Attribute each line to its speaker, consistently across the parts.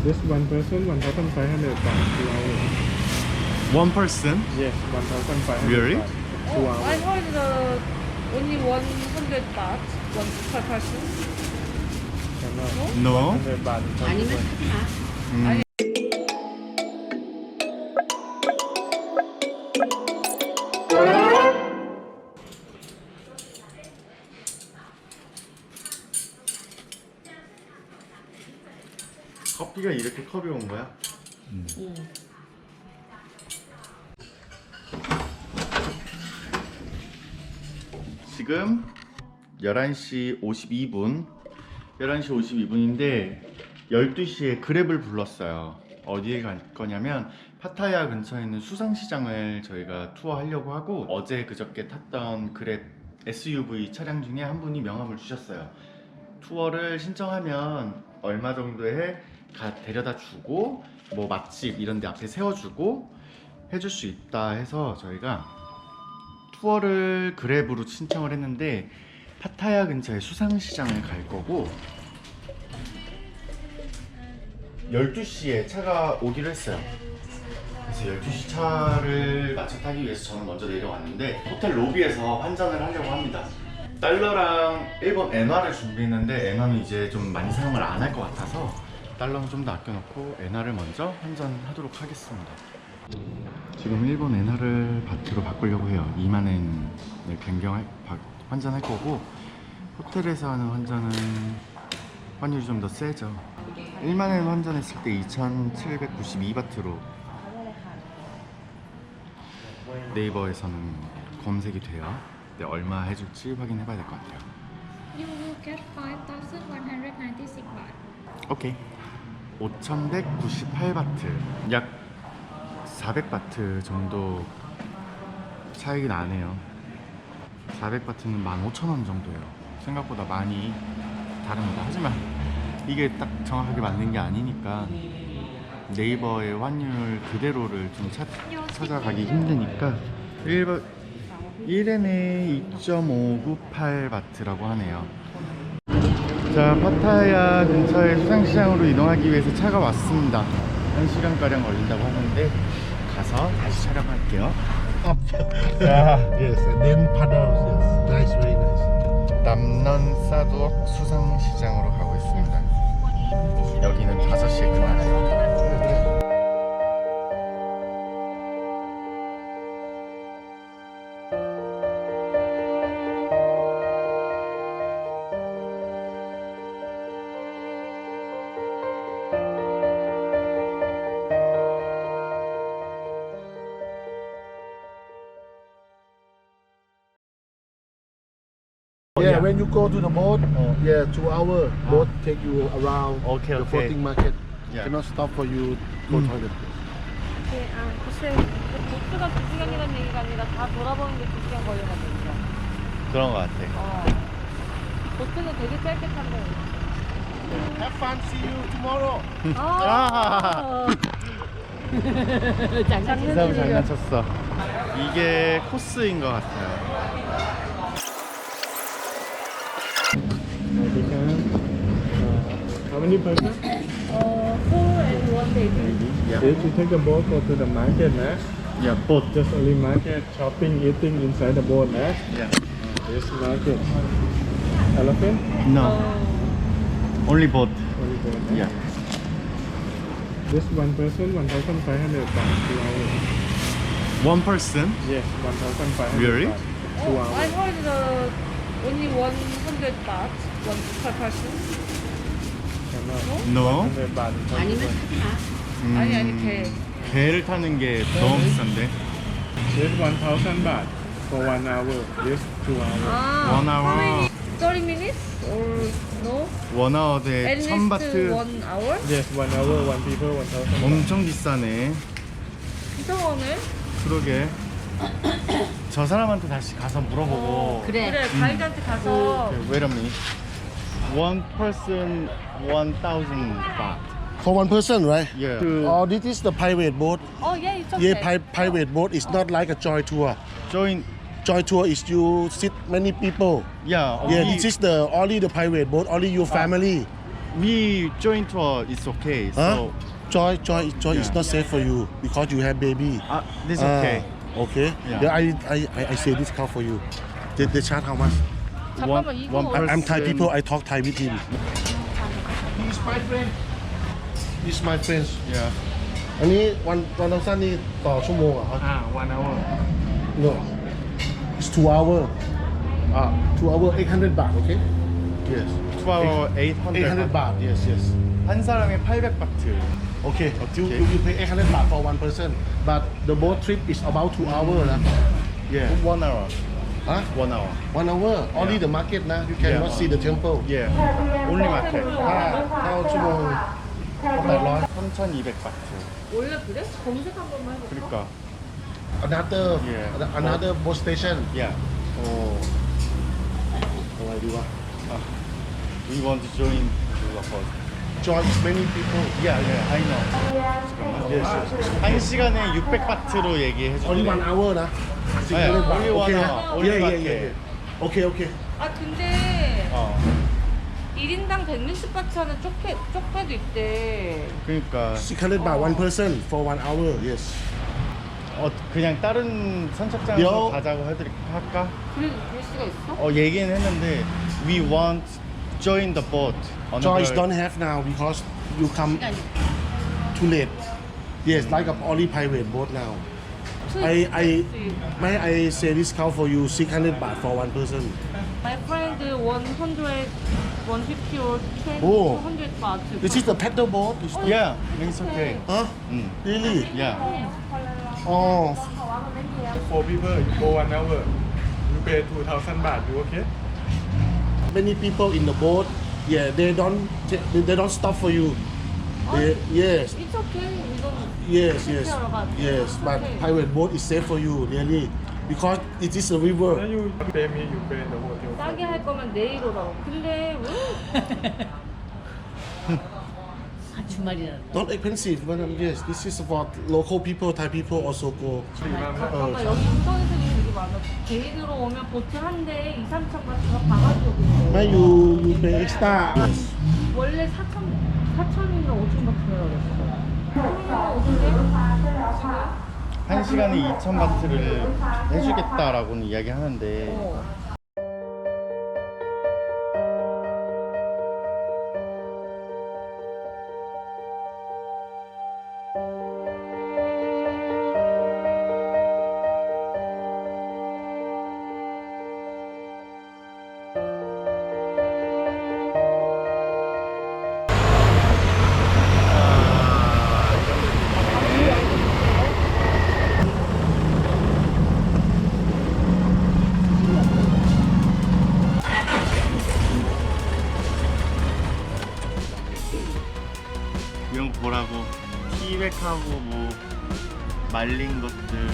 Speaker 1: This one person 1,500 baht 2 hours.
Speaker 2: One person?
Speaker 1: Yes, 1,500
Speaker 2: Really?
Speaker 1: baht 2
Speaker 3: I
Speaker 1: hours.
Speaker 3: heard only 100 baht, one per person.
Speaker 1: No,
Speaker 2: No.
Speaker 1: 100 baht per
Speaker 4: 아니면
Speaker 1: person.
Speaker 4: 하지 마.
Speaker 2: 음. 커피가 이렇게 컵이 온 거야? 지금 11시 52분 11시 52분인데 12시에 그랩을 불렀어요. 어디에 갈 거냐면 파타야 근처에 있는 수상시장을 저희가 투어하려고 하고, 어제 그저께 탔던 그랩 SUV 차량 중에 한 분이 명함을 주셨어요. 투어를 신청하면 얼마 정도에 데려다 주고 뭐 맛집 이런 데 앞에 세워주고 해줄 수 있다 해서 저희가 투어를 그랩으로 신청을 했는데 파타야 근처의 수상시장을 갈 거고, 12시에 차가 오기로 했어요. 그래서 12시 차를 맞춰 타기 위해서 저는 먼저 내려왔는데 호텔 로비에서 환전을 하려고 합니다. 달러랑 일본 엔화를 준비했는데 엔화는 이제 좀 많이 사용을 안 할 것 같아서 달러는 좀 더 아껴놓고 엔화를 먼저 환전하도록 하겠습니다. 지금 일본 엔화를 바트로 바꾸려고 해요. 2만 엔을 환전할 거고, 호텔에서 하는 환전은 환율이 좀 더 세죠. 1만 엔 환전했을 때 2,792바트로 네이버에서는 검색이 돼요. 근데 얼마 해줄지 확인해 봐야 될 것 같아요.
Speaker 5: You will get 5,196 baht.
Speaker 2: 오케이. 5,198바트, 약 400바트 정도 차이가 나네요. 400바트는 15,000원 정도예요. 생각보다 많이 다릅니다. 하지만 이게 딱 정확하게 맞는 게 아니니까 네이버의 환율 그대로를 좀 찾아가기 힘드니까 1엔에 2.598바트라고 하네요. 자, 파타야 근처의 수상시장으로 이동하기 위해서 차가 왔습니다. 1시간가량 걸린다고 하는데 가서 다시 촬영할게요.
Speaker 6: Yes, and then paddles. Yes, nice, very nice.
Speaker 2: 남넌 사두억 수상시장으로 가고 있습니다. 여기는 5시에 끝나네요.
Speaker 6: Yeah, when you go to the boat, yeah, 2 hour boat take you around
Speaker 2: Okay,
Speaker 6: the
Speaker 2: okay.
Speaker 6: floating market.
Speaker 2: Yeah.
Speaker 6: Cannot stop for you go toilet.
Speaker 3: 글쎄, 보트가 2시간이라는 얘기가 아니라 다 돌아보는데 2시간 걸려가지고.
Speaker 2: 그런 것 같아.
Speaker 3: 보트는 되게 짧게 탄대.
Speaker 6: Have fun. See you tomorrow.
Speaker 2: 인사하고 장난쳤어. 이게 코스인 것 같아요.
Speaker 1: How many person?
Speaker 3: 4 and 1 baby.
Speaker 2: Yeah.
Speaker 1: If you take the boat, go to the market, nah.
Speaker 2: Yeah, boat.
Speaker 1: Just only market, shopping, eating inside the boat, nah.
Speaker 2: Yeah.
Speaker 1: This market. Elephant?
Speaker 2: No. Only boat.
Speaker 1: Only boat, nah.
Speaker 2: Yeah.
Speaker 1: This one person 1,500 baht 2 hours.
Speaker 2: One person?
Speaker 1: Yes, 1,500
Speaker 2: Really?
Speaker 1: baht 2
Speaker 3: I
Speaker 1: hours.
Speaker 3: heard only 100 baht, one per person.
Speaker 2: No.
Speaker 1: 100 baht per
Speaker 4: 아니면
Speaker 1: person.
Speaker 4: 하지 마.
Speaker 3: 아니, 개.
Speaker 2: 배를 타는 게 너무 비싼데.
Speaker 1: This 1,000 baht for 1 hour. This 2 hours.
Speaker 2: One hour.
Speaker 3: How many? 30 minutes or no?
Speaker 2: 원아웃에
Speaker 3: At least
Speaker 2: 1,000바트.
Speaker 3: 1 hour?
Speaker 1: Yes, 1 hour, 1 people, 1,000 baht.
Speaker 2: 엄청 비싸네.
Speaker 3: 이상하네.
Speaker 2: 그러게. 저 사람한테 다시 가서 물어보고.
Speaker 4: 그래.
Speaker 3: 그래, 가이드한테 가서
Speaker 2: Okay, wait a minute. One person 1,000 baht.
Speaker 6: For one person, right?
Speaker 2: Yeah.
Speaker 6: Oh, this is the private boat.
Speaker 3: yeah, it's okay.
Speaker 6: Yeah, private boat. It's not like a joy tour.
Speaker 2: Join.
Speaker 6: Joy tour is you sit many people.
Speaker 2: Yeah.
Speaker 6: Yeah, this is the only the private boat, only your family.
Speaker 2: we join tour. It's okay.
Speaker 4: Huh?
Speaker 2: So
Speaker 4: Joy is
Speaker 2: Yeah.
Speaker 4: not safe for you because you have baby.
Speaker 2: this
Speaker 4: Ah,
Speaker 2: okay.
Speaker 4: Okay.
Speaker 2: Yeah.
Speaker 4: I say discount for you. They charge how much?
Speaker 3: 잠깐만 이거
Speaker 4: I'm Thai people. I talk Thai with him. He's my friend. He's my friend.
Speaker 2: Yeah.
Speaker 4: อันนี้วันเราสั้นนี่ต่อชั่วโมงเหรอครับ
Speaker 1: 1 hour
Speaker 4: No. It's 2 hour. 2 hour 800 baht. Okay. Yes.
Speaker 2: 2hour
Speaker 4: 800
Speaker 2: 800.
Speaker 4: baht. Yes. Yes.
Speaker 2: 한 사람에 800바트.
Speaker 4: Okay. You pay 800 baht for one person. But the boat trip is about 2 hours.
Speaker 2: Yeah. 1 hour.
Speaker 4: Huh?
Speaker 2: 1 hour.
Speaker 4: 1 hour. Only the market na. You cannot
Speaker 2: Yeah.
Speaker 4: see the temple.
Speaker 2: Yeah. Only market.
Speaker 4: ถ้าชั่วโมง800
Speaker 2: 3,200바트.
Speaker 3: 원래 그래? 검색 한 번만 해볼까?
Speaker 2: 그러니까.
Speaker 4: another boat station.
Speaker 2: Yeah.
Speaker 4: โอ้อะไรดีวะ
Speaker 2: We want to join the boat.
Speaker 4: Join many people.
Speaker 2: Yeah, I know. 잠깐만.
Speaker 4: Yes.
Speaker 2: 한 시간에 600바트로 얘기해
Speaker 4: Only
Speaker 2: 주세요.
Speaker 4: 1 hourนะ
Speaker 2: 네, only one
Speaker 4: Okay.
Speaker 2: hour. Only
Speaker 4: Yeah,
Speaker 2: one
Speaker 4: yeah,
Speaker 2: hour.
Speaker 4: yeah. Okay, okay.
Speaker 3: 아 근데
Speaker 2: 어.
Speaker 3: 1인당 160바트 하는 쪽배도 있대.
Speaker 2: 그러니까
Speaker 4: 600 baht one person for 1 hour. Yes.
Speaker 2: 그냥 다른 선착장에서
Speaker 4: 요.
Speaker 2: 가자고 할까?
Speaker 3: 그럴 수가 있어?
Speaker 2: 얘기는 했는데 we want join the boat.
Speaker 4: Choice don't have now because you come too late. Yes, like a only private boat now. I say discount for you 600 baht for one person.
Speaker 3: My friend 100, 150 or 20,
Speaker 4: Oh.
Speaker 3: 200 baht.
Speaker 4: This is the paddle boat.
Speaker 2: Yeah, it's okay.
Speaker 4: Huh?
Speaker 2: 응.
Speaker 4: Really?
Speaker 2: Yeah.
Speaker 4: Oh,
Speaker 1: for people you go 1 hour you pay 2,000 baht you okay
Speaker 4: many people in the boat. Yeah, they don't stop for you. Yes.
Speaker 3: It's okay. We don't.
Speaker 4: Yes, yes,
Speaker 3: Okay.
Speaker 4: yes. But private boat is safe for you, really, because it is a
Speaker 1: then
Speaker 4: river.
Speaker 1: you pay me you pay the hotel
Speaker 3: 싸게 할 거면 내일 오라고. 근데 왜?
Speaker 7: 주말이라.
Speaker 4: Not expensive, but yes, this is for local people. Thai people also go.
Speaker 3: 잠깐만 여기 인터넷에 되게 많아. 데이드로 오면 보트 한 대에 2, 3천 바트가 바가지고 있어.
Speaker 4: May you pay extra. Yes.
Speaker 3: 원래 4천이나 5천 바트라고 그랬어. 그러면 어딘데?
Speaker 2: 한 시간에 2,000바트를 해주겠다라고는 이야기하는데 이런 거 보라고 티백하고 뭐 말린 것들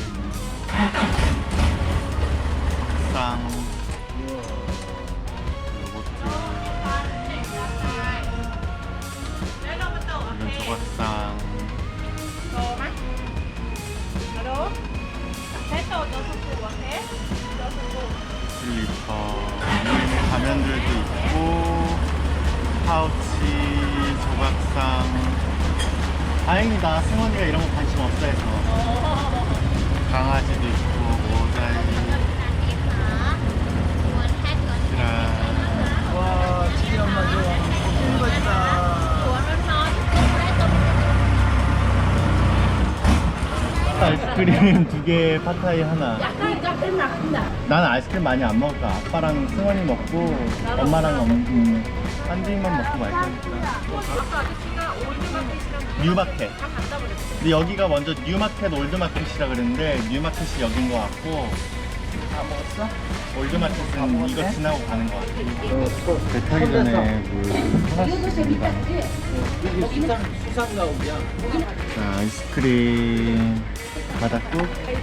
Speaker 2: 쌍 요거트 이런 조각상 슬리퍼 가면들도 있고 파우치 조각상 다행이다 승원이가 이런 거 관심 없어 해서 강아지도 있고 모자이 와 진짜 엄마 좋아 예쁜 거다 아이스크림 2개 파타이 하나 나는 아이스크림 많이 안 먹을까 아빠랑 승원이 먹고 엄마랑 한 입만 먹고 말 거니까 뉴마켓 근데 여기가 먼저 뉴마켓 올드마켓이라 그랬는데 뉴마켓이 여긴 거 같고 다 먹었어? 올드마켓은 이거 지나고 가는 거 같아 배 타기 전에 하나씩 줍니다 자 아이스크림 바닥국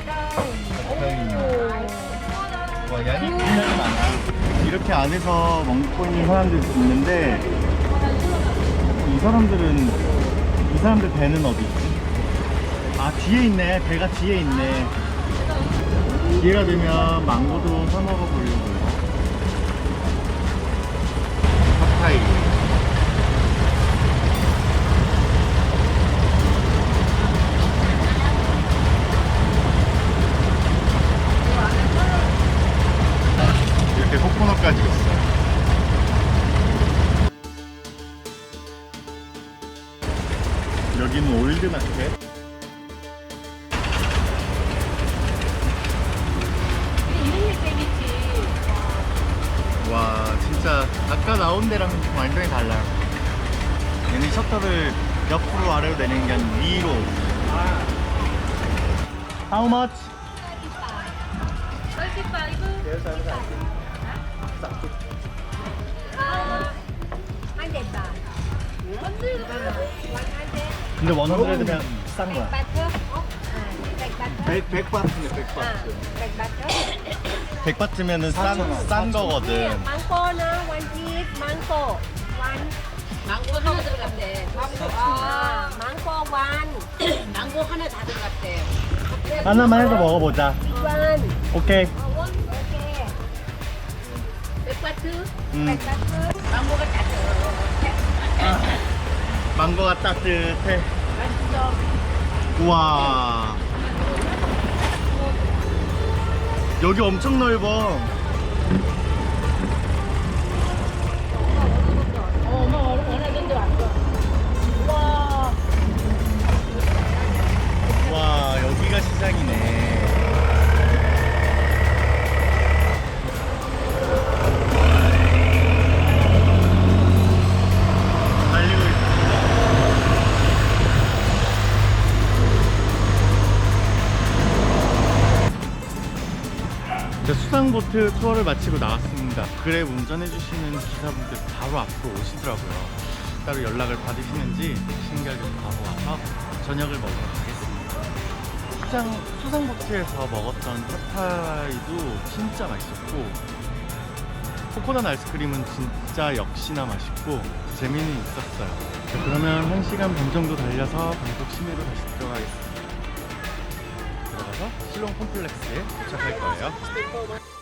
Speaker 2: 와 양이 굉장히 많아 이렇게 안에서 먹고 있는 사람들 있는데 이 사람들 배는 어디 있지? 아 뒤에 있네 배가 뒤에 있네 기회가 되면 망고도 사 먹어보려고요 팟타이 여기는 올드 마켓. 와, 진짜 아까 나온 데랑 완전히 달라요. 얘는 셔터를 옆으로 아래로 내리는 게 아니라 위로. How much?
Speaker 3: 35.
Speaker 2: 근데 100면 싼 거야. 100바트면은 싼 거거든.
Speaker 3: 망고나 원집 망고 원.
Speaker 7: 망고 하나 들어갔대.
Speaker 3: 망고 원.
Speaker 7: 망고 하나 다 들어갔대.
Speaker 2: 하나만 해서 먹어보자.
Speaker 3: 원.
Speaker 2: 오케이.
Speaker 3: 오케이.
Speaker 7: 백바트
Speaker 2: 음,
Speaker 7: 망고가 다 들어.
Speaker 2: 망고가 따뜻해.
Speaker 7: 맛있어.
Speaker 2: 우와. 여기 엄청 넓어.
Speaker 7: 엄마 원하던 데 왔어. 우와.
Speaker 2: 와, 여기가 시장이네. 달리고 있어. 수상보트 투어를 마치고 나왔습니다. 그랩 운전해주시는 기사분들 바로 앞으로 오시더라고요. 따로 연락을 받으시는지 신기하게 바로 와서 저녁을 먹으러 가겠습니다. 수상보트에서 먹었던 팟타이도 진짜 맛있었고, 코코넛 아이스크림은 진짜 역시나 맛있고 재미는 있었어요. 자, 그러면 1시간 반 정도 달려서 방콕 시내로 다시 들어가겠습니다. 들어가서 실롱 콤플렉스에 도착할 거예요.